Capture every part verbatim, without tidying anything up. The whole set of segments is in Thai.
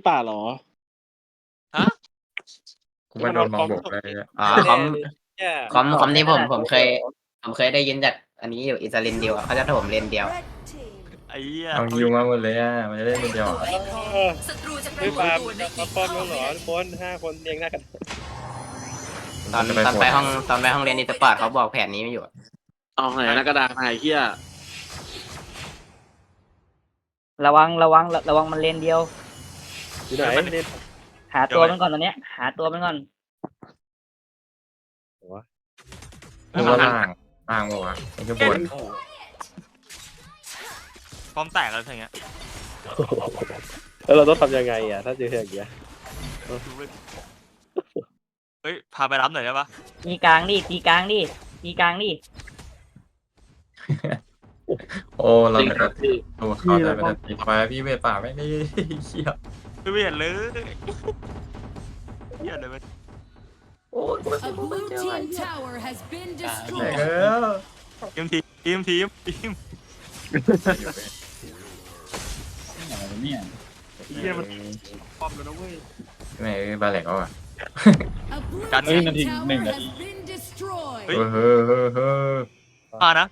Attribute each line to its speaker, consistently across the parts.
Speaker 1: ป่าเหรอ
Speaker 2: ฮะ
Speaker 3: กูมาโดนมองบกเลย
Speaker 4: อ๋อคอมคอมคอมนี้ผมผมเคยผมเคยได้ยินจากอันนี้อยู่อิตาลีนเดียวเขาจะถมเลนเดียว
Speaker 2: ไอ้เหี้ย
Speaker 3: เอาฮิวมาหมดเลยอ่ะมันจะได้เป็นเดียว
Speaker 1: ไม่ป่ามาป้อมแล้วเหรอทุกคนห้าคนเรียงหน้ากัน
Speaker 4: ตอนตอนไปห้องตอนไปห้องเรียนอิตาปอร์ตเขาบอกแผนนี้ไม่อยู่
Speaker 5: เอาไหนนะกระดาษไหนเฮีย
Speaker 6: ระวังระวังระวังมันเลนเดียว
Speaker 1: อยู่ไหนเล่น
Speaker 6: หาตัวมันก่อนตอนเนี้ยหาตัวมันก่อน
Speaker 3: คือว่าล่างล่างบอกว่าไอ้ข้างบน
Speaker 2: พร้อมแตกอะไรอย่างเงี้ย
Speaker 1: แล้วเราต้องทำยังไงอ่ะถ้าเจออย่างเงี้ย
Speaker 2: เฮ้ยพาไปรับหน่อยได้ปะ
Speaker 6: ตีกลางดิตีกลางดิตีกลางดิ
Speaker 3: โอ้เรา
Speaker 5: จริง
Speaker 3: เนี่ย
Speaker 5: ครับพี่
Speaker 3: ตัวเขาแต่เป็นตีไปพี่เวป่าไม่ได้เชี่ย
Speaker 2: ไม่เห็นเลยเหี้ยเลยมัน
Speaker 3: โอ้ย
Speaker 7: A blue team tower has been
Speaker 3: แตก
Speaker 7: destroyed.
Speaker 3: แล้ว
Speaker 2: ทีมทีมทีมทีม
Speaker 3: เนี่ย
Speaker 2: เหี้ยมันป้อมแล้วนะเว้ย
Speaker 3: ไม่บาเล็กเขาอ่ะ
Speaker 7: A blue
Speaker 2: Cắn
Speaker 7: team
Speaker 2: cái
Speaker 7: tower
Speaker 2: mình là-
Speaker 7: has been destroyed.
Speaker 3: เฮ้ยเฮ้ยเฮ้ยเฮ้ย
Speaker 2: มานะ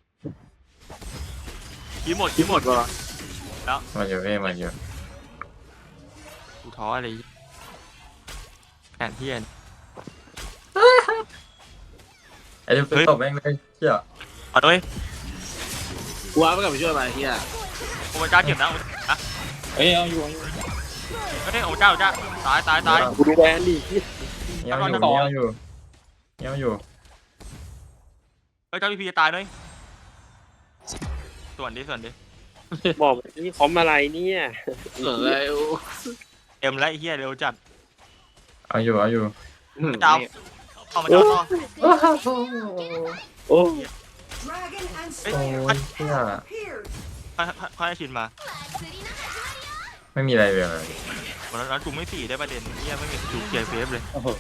Speaker 2: ทีมหมดทีมหมด
Speaker 5: วะ
Speaker 3: มาอยู่เว้ยมาอยู่
Speaker 2: กูท้ออะไรแผนเทียน
Speaker 3: ไอ้เด็กตบแม่งเลยเชี่ย
Speaker 2: เอาด้วย
Speaker 5: กูว่าไปกับไปช่วยไปเฮีย
Speaker 2: โอ้เจ้าเจ็บนะนะ
Speaker 1: เอ้ยเอาอยู่เอาอยู่
Speaker 2: เฮ้ยโอ้เจ้าเจ้าตายตายตาย
Speaker 1: กูดูแลดิ
Speaker 3: เงี้ยวอยู่เงี้ยวอยู่เงี้ยวอยู่
Speaker 2: เฮ้ยเจ้าพีพีจะตายด้วยส่วนดิส่วนดิ
Speaker 1: บอกนี่คอมอะไรเนี่ย
Speaker 5: เหลืออะไร
Speaker 2: เอ็มและไอ้เฮียเร็วจัด
Speaker 3: เอาอยู่เอาอยู่
Speaker 2: เจ้าเข้ามาเจ้าต่อ
Speaker 1: โอ้
Speaker 2: เฮ้ย
Speaker 3: โอ้ยเชี่ย
Speaker 2: ค่อยค่อยให้ชินมา
Speaker 3: ไม่มีอะไรเลย
Speaker 2: วันนั้นจุ่มไม่สี่ได้ประเด็นเฮียไม่มีจุ่มเกียร์เฟฟเลย
Speaker 7: A blue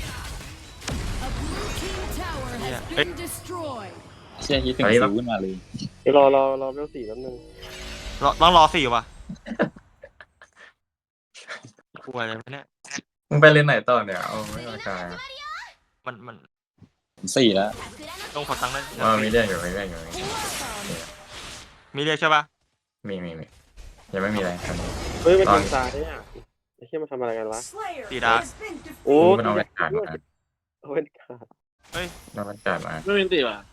Speaker 7: team tower has
Speaker 2: Yeah.
Speaker 7: been destroyed.
Speaker 8: เชี่ยคิดถึงสิวขึ้นมาเลย
Speaker 1: เดี๋ยวรอรอรอเบลสี่แป๊บนึง
Speaker 2: รอต้องรอสี่ว่ะกลัวอะไรวะเนี่ย
Speaker 3: มึงไปเล่นไหนต่อเนี่ยเอาไม่เอากาย
Speaker 2: มันมัน
Speaker 8: สี่แล้ว
Speaker 2: ต้องขอตังค์ได้
Speaker 3: ว่ามีเรื่องอยู่มีเรื่องอยู่
Speaker 2: มีเรียกใช่ปะ
Speaker 3: มีมีมียังไม่มีอะไรครับ
Speaker 1: เฮ้ยมันทางซ้ายเนี่ยไอ้เหี้ยมันทำอะไรกันวะ
Speaker 2: ตีดาร์ก
Speaker 1: โอ้
Speaker 3: มันเอาบรรยากาศมา
Speaker 1: เอาเป็นขาด
Speaker 3: เอาบรรยากาศมา
Speaker 5: ไม่เป็นตีว่ะ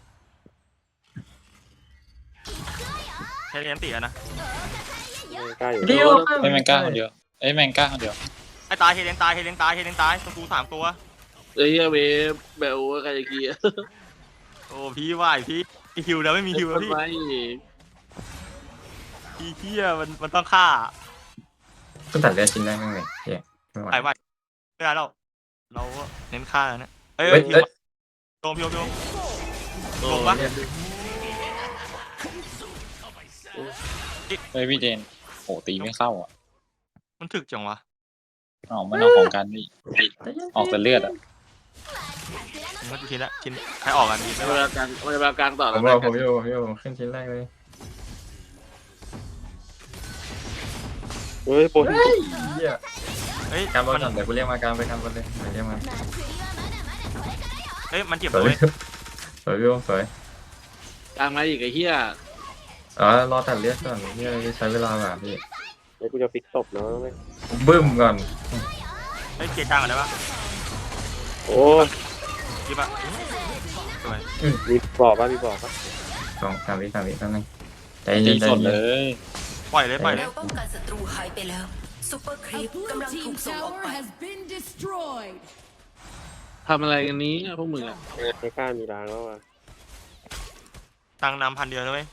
Speaker 2: ใช้เรียนตีอะนะ
Speaker 1: ไม่กล้าอยู่
Speaker 3: เดียว
Speaker 8: ไอ้แมงก้าคนเดียวไอ้แมงก้าคนเดียว
Speaker 2: ไอ้ตายเฮเลนตายเฮเลนตายเฮเลนตายตรงกูสามตัว
Speaker 5: เฮียเวเบลใครจะกี้
Speaker 2: โอ้พี่ไหวพี่ฮิวแล้วไม่มีฮิวแล้วพี่
Speaker 5: ไม่
Speaker 2: พี่เฮียมันมันต้องฆ่า
Speaker 3: ต้องตัดเลือดชิ้นแรกมั้งเลยเฮียไม่ไหว
Speaker 2: ไปไหวไม่ได้เราเราเน้นฆ่าแล้วเนี่ยเอ้ย
Speaker 3: เฮ้ย
Speaker 2: พี่
Speaker 3: เฮ้ย
Speaker 2: โดมพี่โดมพี่โดม
Speaker 5: โอ้
Speaker 2: ลงปะ
Speaker 8: เฮ้ยพี่เจนโหตีไม่เข้าอ่ะ
Speaker 2: มันถึกจังวะ
Speaker 8: อ๋อมันเอาของกันนี่ออกแต่เลือดอ่ะ
Speaker 2: มันชิ้นละชิ้นใครออกกันดี
Speaker 5: ไม่
Speaker 2: ไม่
Speaker 5: เว
Speaker 2: ว่า
Speaker 5: ลากลางไม่เวลากลางต่อ
Speaker 3: ผม
Speaker 5: แล้ว
Speaker 3: บอกผมอยู่ผมอยู่ขึ้นชิ้นแรกเลย
Speaker 1: เฮ้ยบน
Speaker 3: เฮีย
Speaker 2: เฮ้ย
Speaker 3: การบอล
Speaker 2: มัน
Speaker 3: ก่อนเดี๋ยวกูเรียกมาการไปการบอลเลยเรียกมา
Speaker 2: เฮ้ยมันเจ็บ
Speaker 3: สวย
Speaker 2: เลย
Speaker 3: สวยพี่สวย
Speaker 5: กลางมาอีกไอ้เฮีย
Speaker 3: อ๋อรอตัดเลือดก่อนเฮียใช้เวลาแบบพี่
Speaker 1: เดี๋ยวกูจะฟิกศพเนาะไม่
Speaker 3: บึ้มก่อน
Speaker 2: เฮ้ยเกียร์กลางอะไรวะ
Speaker 1: โอ้
Speaker 2: ยิบอะสวย
Speaker 1: มีบอกป่ะมีบอกป่ะ
Speaker 3: สองสามวิสามวิแป๊บนึงใจ
Speaker 8: ตี
Speaker 3: เย็นใจ
Speaker 8: สดเล
Speaker 3: เย็น
Speaker 8: ย
Speaker 2: ปล่อยเลยปล่อยเลย
Speaker 9: เราป้องกันศัตรูหายไปแล้วซุปเปอร์ครี
Speaker 7: A
Speaker 9: ป
Speaker 7: blue
Speaker 9: กำลังถู
Speaker 7: team
Speaker 9: กส่งออก
Speaker 7: tower
Speaker 9: ไป
Speaker 7: has been destroyed.
Speaker 5: ทำอะไรกันนี้พวกมึงอ่ะ
Speaker 1: ไม่กล้ามีร้านแล้วอ่ะ
Speaker 2: ตังนำพันเดียวนะเว้ย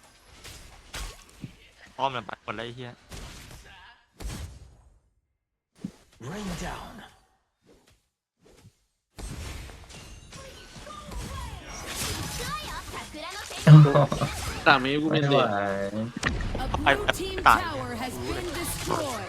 Speaker 2: อ้อมเลยไปหมดเลยไอ้เฮีย
Speaker 5: ตามนี้กู
Speaker 3: ไม่
Speaker 5: เป็น
Speaker 3: ไหว
Speaker 5: เด็ก
Speaker 7: A blue team tower has been destroyed.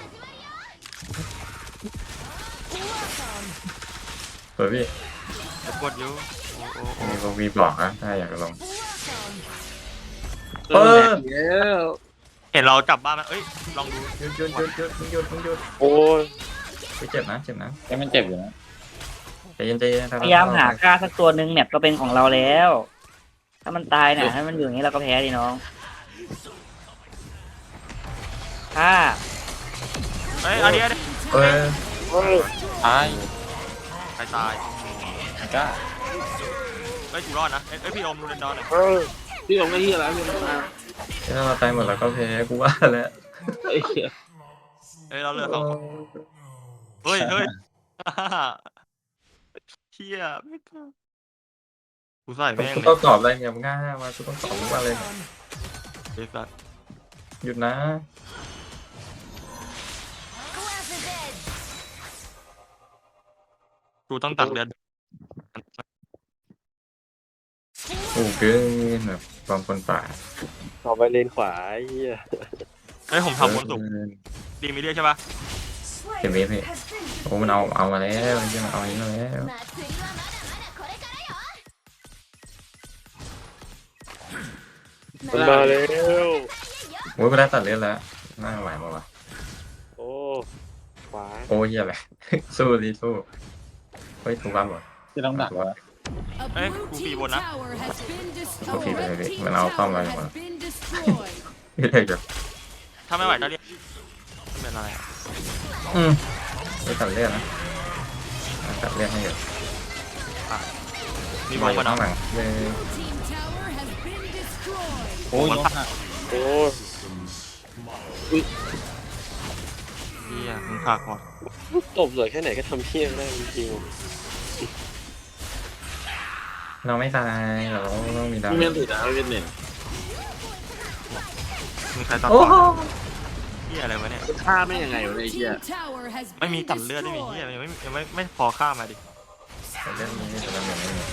Speaker 3: สวยพี่
Speaker 2: จะกดอยู่โอ้โอ้โอ้
Speaker 3: มีบอกมีบอกนะถ้าอยากลง
Speaker 5: เออแล้ว
Speaker 2: เห็นเราจับบ้านมันเอ้ยลองดู
Speaker 3: หยุดหยุดหยุดหยุดหยุดหยุด
Speaker 1: โอ้ย
Speaker 3: ไปเจ็บนะเจ็บนะ
Speaker 8: ยังมันเจ็บอยู่นะ
Speaker 3: ใจเย็นใจเย็น
Speaker 6: พยายามหาฆ่าสักตัวหนึ่งแมปก็เป็นของเราแล้ว ถ้ามันตายน่ะถ้ามันอยู่อย่างนี้เราก็แพ้ดิน้องฆ่า
Speaker 2: เอ้ยอันนี้อันนี้
Speaker 3: เอ้ย
Speaker 8: ตาย
Speaker 2: ใครตาย
Speaker 8: กล้า
Speaker 2: เอ้ยกูรอดนะเอ้ยเอ้ยพี่อมดูเรนดอนหน่อย
Speaker 5: พี่ผมก็เฮียแล้วพี่ผมมา
Speaker 3: ถ้าเราตายหมดเราก็แพ้กูว่าแล้ว
Speaker 5: ไอ้เหี้ย
Speaker 2: เอ้ยเราเหลือสองคนเฮ้ยเฮ้ยเฮียไม่กล้ากูใส่แม่ง
Speaker 3: กู
Speaker 2: เล
Speaker 3: ต้อง
Speaker 2: ย
Speaker 3: ตอบอะไรเนี่ยมึงง่ายมากูต้องตอบมึงว่าอะไรเนี่ย
Speaker 2: เฮ้ยสัส
Speaker 3: หยุดนะ
Speaker 2: กูต้องตักเดือน
Speaker 3: โอ้เกินแบบความคนป่า
Speaker 1: ต่อไปเลนขวาไอ้เหี้ย
Speaker 2: เฮ้ยผมทำบนสุกดีไม่เรียกใช่ปะ
Speaker 3: เห็นไหมพี่โอ้มันเอาเอามาแล้วมันเอาอันนี้มาแล้ว
Speaker 1: มันมาแล้ว
Speaker 3: โอ้ยกูได้ตัดเลือดแล้วน่าไหวมาวะ
Speaker 1: โอ้ขวา
Speaker 3: โอ้ยเหี้ยอะไร สู้ดิสู้เฮ้ยถูกบ้างหมด
Speaker 8: ที่ต้องดักวะ
Speaker 2: เอ้ยกูปีบนนะ
Speaker 3: โอเคไปเลยมันเอาเข้ามาหมดไม่ได้แบบ
Speaker 2: ถ้าไม่ไหวก็เรียกไม่เป็นไรอะ
Speaker 3: อืมไม่ตัดเลือดนะตัดเลือดให้อยู่
Speaker 2: มี
Speaker 3: มี
Speaker 2: มองมา
Speaker 3: ข้า
Speaker 2: เนาะ
Speaker 3: งหลังเลย
Speaker 8: โอ้ยล้มหัก
Speaker 1: โอ้ย
Speaker 2: เฮียมึงขาดก่อน
Speaker 1: ตบสวยแค่ไหนก็ทำเพี้ยงได้จริง
Speaker 3: เราไม่ตายเราต้องมีดาว
Speaker 5: พี่เมนติดนะพี่เมนเน็ต
Speaker 2: มึงใครตัด
Speaker 3: โอ้
Speaker 2: ก่อน
Speaker 3: โห
Speaker 2: เฮียอะไรวะเนี่ย
Speaker 5: ฆ่าไม่ยังไงวะเนี่ยไอ้เฮีย
Speaker 2: ไม่มีตัดเลือดไม่มีเฮียยังไม่ยังไม่ไม่พอฆ่ามาดิ
Speaker 3: ตัดเลือดนี้แต่เราไม่มี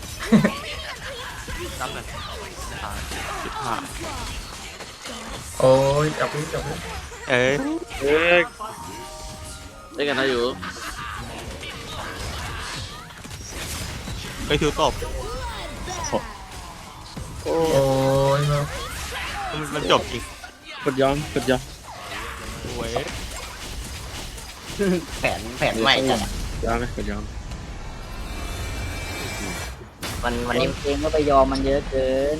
Speaker 2: จับเลยตายสิบห้า
Speaker 3: โอ้ยจับพื้นจับพื้น
Speaker 2: เอ้ย
Speaker 1: ๆเอ้ย
Speaker 5: ได้กันนะอยู่
Speaker 2: ไปถือตบ
Speaker 1: โอ้
Speaker 3: โอ้ยมา
Speaker 2: มันมันจบจริง
Speaker 1: กดยอมกดยอม
Speaker 2: เว้ย
Speaker 4: แผนแผนใหม่จัด
Speaker 1: ยอมไหมกดยอม
Speaker 4: มันวัน
Speaker 6: เอ
Speaker 4: นี้
Speaker 6: งเองก็ไปยอมมันเยอะเกิน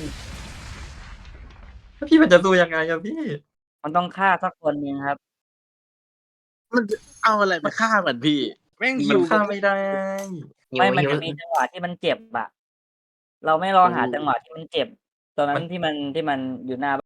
Speaker 3: พี่มันจะสู้ยังไงอะพี่
Speaker 6: มันต้องฆ่าสักคนหนึ่งครับ
Speaker 5: มันจะเอาอะไรมาฆ่ามันพี่แม่ง
Speaker 3: มั
Speaker 5: หิ
Speaker 3: น
Speaker 5: ว
Speaker 3: ฆ่าไม่ได้
Speaker 4: หิว
Speaker 6: ไม่มัน
Speaker 4: หิว
Speaker 6: จะมีจังหวะที่มันเจ็บอะเราไม่รอหาจังหวะที่มันเจ็บ ตอนนั้นที่มันที่มันอยู่หน้า